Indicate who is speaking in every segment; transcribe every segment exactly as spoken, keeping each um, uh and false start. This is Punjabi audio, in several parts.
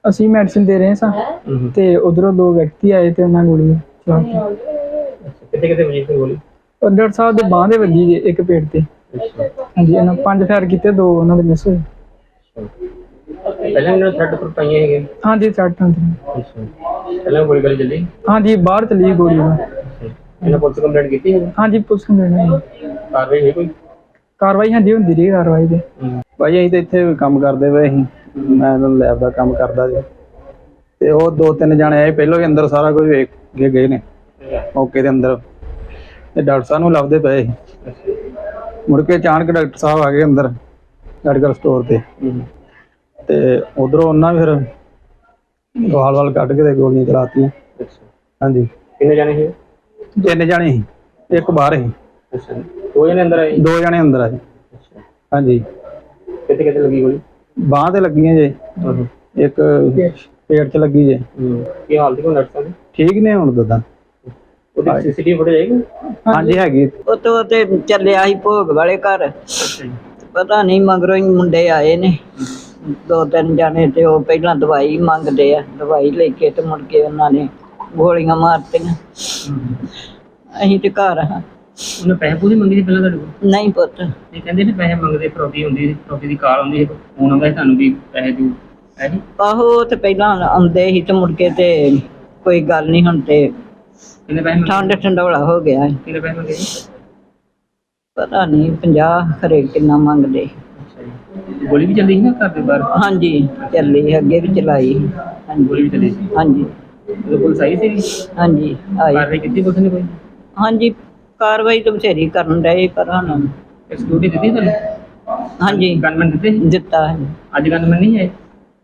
Speaker 1: ਅਸੀਂ ਮੈਡੀਸਿਨ ਦੇ ਰਹੇ ਸਾਂ ਤੇ ਉਧਰੋਂ ਦੋ ਵਿਅਕਤੀ ਆਏ ਤੇ ਉਹਨਾਂ ਗੋਲੀ ਚਲਾਤੀ।
Speaker 2: ਕਿੱਥੇ ਕਿੱਥੇ ਵਜੀ ਸੀ ਗੋਲੀ?
Speaker 1: ਉਹ ਡਾਕਟਰ ਸਾਹਿਬ ਦੇ ਬਾਂਹ ਦੇ ਵੱਜੀ ਜੀ, ਇੱਕ ਪੇਟ ਤੇ। ਹਾਂਜੀ, ਇਹਨਾਂ ਪੰਜ ਫਾਇਰ ਕੀਤੇ, ਦੋ ਉਹਨਾਂ ਦੇ ਮਿਸ ਹੋਏ।
Speaker 2: ਪਹਿਲਾਂ ਇਹਨਾਂ ਥਰਡ ਪਰ ਪਾਈਆਂ ਹੈਗੇ?
Speaker 1: ਹਾਂਜੀ, ਸੱਟ ਹੁੰਦੀ।
Speaker 2: ਅੱਛਾ, ਪਹਿਲਾਂ ਗੋਲੀ ਗਲੀ ਚੱਲੀ?
Speaker 1: ਹਾਂਜੀ, ਬਾਹਰ ਚਲੀ ਗੋਲੀ।
Speaker 2: ਇਹਨਾਂ ਪੁਲਿਸ ਕੰਪਲੇਂਟ ਕੀਤੀ ਹੈ?
Speaker 1: ਹਾਂਜੀ, ਪੁਲਿਸ ਕੰਪਲੇਂਟ।
Speaker 2: ਕਾਰਵਾਈ ਹੋਈ ਕੋਈ?
Speaker 1: ਕਾਰਵਾਈ ਹਾਂਜੀ ਹੁੰਦੀ ਰਹੀ ਕਾਰਵਾਈ ਤੇ।
Speaker 3: ਭਾਈ ਅਸੀਂ ਤਾਂ ਇੱਥੇ ਕੰਮ ਕਰਦੇ ਪਏ ਸੀ, ਮੈਂ ਲੈਬ ਦਾ ਕੰਮ ਕਰਦਾ ਜੀ, ਤੇ ਉਹ ਦੋ ਤਿੰਨ ਜਾਣੇ ਆਏ, ਪਹਿਲਾਂ ਵੀ ਅੰਦਰ ਸਾਰਾ ਕੁਝ ਵੇਖ ਕੇ ਗਏ ਨੇ ਮੌਕੇ ਦੇ ਅੰਦਰ, ਤੇ ਡਾਕਟਰ ਸਾਹਿਬ ਨੂੰ ਲੱਭਦੇ ਪਏ ਸੀ। ਮੁੜ ਕੇ ਅਚਾਨਕ ਡਾਕਟਰ ਸਾਹਿਬ ਆ ਗਏ ਅੰਦਰ ਮੈਡੀਕਲ ਸਟੋਰ ਤੇ, ਤੇ ਉਧਰੋਂ ਉਹਨਾਂ ਫਿਰ ਵਾਲ ਵਾਲ ਕੱਢ ਕੇ ਤੇ ਗੋਲੀਆਂ ਚਲਾਤੀਆਂ। ਹਾਂਜੀ।
Speaker 2: ਕਿੰਨੇ ਜਾਣੇ ਸੀ?
Speaker 3: ਤਿੰਨ ਜਾਣੇ ਸੀ, ਇੱਕ ਬਾਹਰ ਸੀ।
Speaker 2: ਅੱਛਾ, ਦੋ ਜਣੇ ਅੰਦਰ ਆਏ?
Speaker 3: ਦੋ ਜਣੇ ਅੰਦਰ ਆਏ। ਹਾਂਜੀ।
Speaker 2: ਕਿੱਥੇ ਕਿੱਥੇ ਲੱਗੀ ਗੋਲੀ?
Speaker 3: ਬਾਂਹ ਤੇ ਲੱਗੀਆਂ ਜੇ, ਇੱਕ ਪੇਟ 'ਚ ਲੱਗੀ ਜੇ।
Speaker 2: ਕੀ ਹਾਲਤ ਹੈ ਡਾਕਟਰ ਸਾਹਿਬ?
Speaker 3: ਠੀਕ ਨੇ ਹੁਣ ਦਦਾ।
Speaker 2: ਉਹਦੀ ਸੀਸੀਟੀਵੀ ਫੁਟੇਜ ਹੈਗੀ?
Speaker 3: ਹਾਂਜੀ ਹੈਗੀ।
Speaker 4: ਉਹ ਤੋਂ ਤੇ ਚੱਲਿਆ ਸੀ ਭੋਗ ਵਾਲੇ ਘਰ, ਪਤਾ ਨਹੀਂ ਮਗਰੋਂ ਹੀ ਮੁੰਡੇ ਆਏ ਨੇ ਦੋ ਤਿੰਨ ਜਾਣੇ, ਤੇ ਉਹ ਪਹਿਲਾਂ ਦਵਾਈ ਮੰਗਦੇ ਆ, ਦਵਾਈ ਲੈ ਕੇ ਤੇ ਮੁੜ ਕੇ ਉਹਨਾਂ ਨੇ ਗੋਲੀਆਂ ਮਾਰਤੀਆਂ। ਅਸੀਂ ਤੇ ਘਰ ਹਾਂ।
Speaker 2: ਉਹਨੇ ਪੈਸੇ ਪੂਸੇ ਮੰਗੇ ਸੀ ਪਹਿਲਾਂ ਤੁਹਾਡੇ ਕੋਲ?
Speaker 4: ਨਹੀਂ ਪੁੱਤ।
Speaker 2: ਇਹ ਕਹਿੰਦੇ ਨੇ ਪੈਸੇ ਮੰਗਦੇ, ਫਰੋਤੀ ਹੁੰਦੀ, ਫਰੋਤੀ ਦੀ ਕਾਲ ਆਉਂਦੀ ਹੈ, ਫੋਨ ਆਉਂਦਾ ਸੀ ਤੁਹਾਨੂੰ ਵੀ ਪੈਸੇ ਦਿਓ, ਹੈ ਜੀ?
Speaker 4: ਆਹੋ, ਤੇ ਪਹਿਲਾਂ ਆਉਂਦੇ ਸੀ ਤੇ ਮੁੜ ਕੇ ਤੇ ਕੋਈ ਗੱਲ ਨਹੀਂ, ਹੁਣ ਤੇ
Speaker 2: ਕਿੰਨੇ ਪੈਸੇ ਮੰਗੇ?
Speaker 4: ਠੰਡ ਠੰਡੋਲਾ ਹੋ ਗਿਆ।
Speaker 2: ਕਿੰਨੇ ਪੈਸੇ ਮੰਗੇ ਜੀ?
Speaker 4: ਪਤਾ ਨਹੀਂ ਪੰਜਾਹ ਖਰੇ ਕਿੰਨਾ ਮੰਗਦੇ।
Speaker 2: ਅੱਛਾ ਜੀ। ਗੋਲੀ ਵੀ ਚੱਲੀ ਸੀ ਨਾ ਘਰ ਦੇ ਬਾਹਰ?
Speaker 4: ਹਾਂਜੀ, ਚੱਲੀ, ਅੱਗੇ ਵੀ ਚਲਾਈ।
Speaker 2: ਗੋਲੀ ਵੀ ਚੱਲੀ ਸੀ?
Speaker 4: ਹਾਂਜੀ
Speaker 2: ਉਦੋਂ ਪੁਲਿਸ ਆਈ ਸੀ?
Speaker 4: ਹਾਂਜੀ ਆਈ।
Speaker 2: ਕਾਰਵਾਈ ਕੀਤੀ ਪੁਲਿਸ ਨੇ ਕੋਈ?
Speaker 4: ਹਾਂਜੀ, ਕਾਰਵਾਈ ਤਾਂ ਬਥੇਰੀ ਕਰਨ ਡਏ, ਪਰ ਹੁਣ
Speaker 2: ਸਿਕਿਉਰਿਟੀ ਦਿੱਤੀ ਤੁਹਾਨੂੰ?
Speaker 4: ਹਾਂਜੀ
Speaker 2: ਗਨਮੈਨ ਦਿੱਤੇ?
Speaker 4: ਦਿੱਤਾ ਹੈ।
Speaker 2: ਅੱਜ ਗਨਮੈਨ ਨਹੀਂ ਆਏ?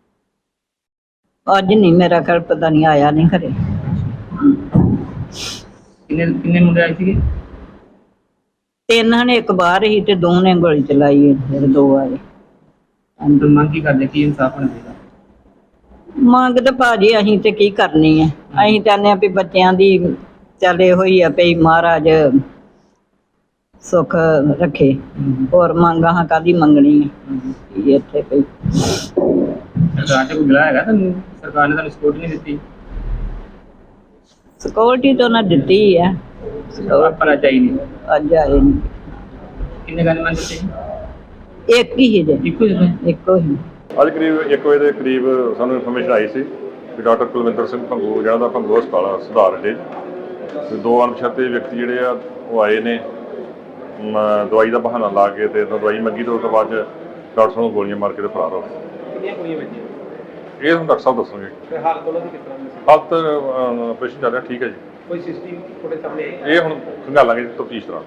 Speaker 4: ਅੱਜ ਨਹੀਂ, ਮੇਰਾ ਘਰ ਪਤਾ ਨਹੀਂ, ਆਇਆ ਨਹੀਂ ਘਰੇ।
Speaker 2: ਕਿੰਨੇ ਕਿੰਨੇ ਮੁੰਡੇ ਆਏ ਸੀਗੇ?
Speaker 4: ਤਿੰਨ ਨੇ, ਇੱਕ ਬਾਹਰ ਹੀ ਤੇ ਦੋ ਨੇ ਗੋਲੀ ਚਲਾਈ ਹੈ, ਫਿਰ ਦੋ ਆਏ।
Speaker 2: ਅੰਦਰ ਮੰਗ ਕੀ ਕਰਦੇ, ਕੀ ਇਨਸਾਫ ਹੋਣਾ ਚਾਹੀਦਾ?
Speaker 4: ਮੰਗ ਤਾਂ ਭਾਜੀ ਅਸੀਂ ਤੇ ਕੀ ਕਰਨੀ ਹੈ, ਅਸੀਂ ਚਾਹੁੰਦੇ ਹਾਂ ਵੀ ਬੱਚਿਆਂ ਦੀ ਚੱਲੇ ਹੋਈ ਆ ਪਈ, ਮਹਾਰਾਜ ਸੁੱਖ ਰੱਖੇ। ਹੋਰ ਮੰਗ ਹਾਂ ਕਾਹਦੀ ਮੰਗਣੀ ਹੈ ਇੱਥੇ ਪਈ।
Speaker 2: ਸਰਕਾਰ ਚ ਕੋਈ ਗਿਲਾ ਹੈਗਾ ਤੁਹਾਨੂੰ? ਸਰਕਾਰ ਨੇ ਤੁਹਾਨੂੰ ਸਪੋਰਟ ਨਹੀਂ ਦਿੱਤੀ?
Speaker 4: ਸਿਕਿਉਰਿਟੀ ਤਾਂ ਉਹਨਾਂ ਦਿੱਤੀ ਹੈ,
Speaker 2: ਆਪਣਾ ਚਾਹੀਦੀ।
Speaker 4: ਅੱਜ ਆਏ ਨਹੀਂ।
Speaker 2: ਕਿੰਨੇ ਗਨਮੈਨ ਦਿੱਤੇ?
Speaker 4: ਇੱਕ ਹੀ ਹੈ ਜੇ,
Speaker 2: ਇੱਕੋ ਜਿਹੇ?
Speaker 4: ਇੱਕੋ ਹੀ।
Speaker 5: ਅੱਜ ਕਰੀਬ ਇੱਕ ਵਜੇ ਦੇ ਕਰੀਬ ਸਾਨੂੰ ਇਨਫੋਰਮੇਸ਼ਨ ਆਈ ਸੀ ਕਿ ਡਾਕਟਰ ਕੁਲਵਿੰਦਰ ਸਿੰਘ ਭੰਗੂ, ਜਿਹੜਾ ਦਾ ਭੰਗੂ ਹਸਪਤਾਲ ਸੁਧਾਰ ਅੱਡੇ, ਤੇ ਦੋ ਅਣਪਛਾਤੇ ਵਿਅਕਤੀ ਜਿਹੜੇ ਆ ਉਹ ਆਏ ਨੇ ਦਵਾਈ ਦਾ ਬਹਾਨਾ ਲਾ ਕੇ, ਤੇ ਦਵਾਈ ਮੰਗੀ ਤੇ ਉਸ ਤੋਂ ਬਾਅਦ ਡਾਕਟਰ ਸਾਹਿਬ ਨੂੰ ਗੋਲੀਆਂ ਮਾਰ ਕੇ ਤੇ ਫਰਾਰ ਹੋ ਗਏ।
Speaker 2: ਕਿੰਨੀਆਂ ਗੋਲੀਆਂ ਵੱਜੀਆਂ?
Speaker 5: ਇਹ ਹੁਣ ਡਾਕਟਰ ਸਾਹਿਬ ਦੱਸਣਗੇ।
Speaker 2: ਤੇ ਹਾਲਤ ਉਹਨਾਂ ਦੀ ਕਿਸ ਤਰ੍ਹਾਂ ਦੀ?
Speaker 5: ਹਾਲਤ ਆਪਰੇਸ਼ਨ ਚੱਲ ਰਿਹਾ, ਠੀਕ ਹੈ ਜੀ।
Speaker 2: ਕੋਈ ਸੀਸੀਟੀਵੀ ਫੁਟੇਜ ਸਾਹਮਣੇ ਆਈ?
Speaker 5: ਇਹ ਹੁਣ ਖੰਗਾਲਾਂਗੇ ਤਫਤੀਸ਼ ਦੌਰਾਨ।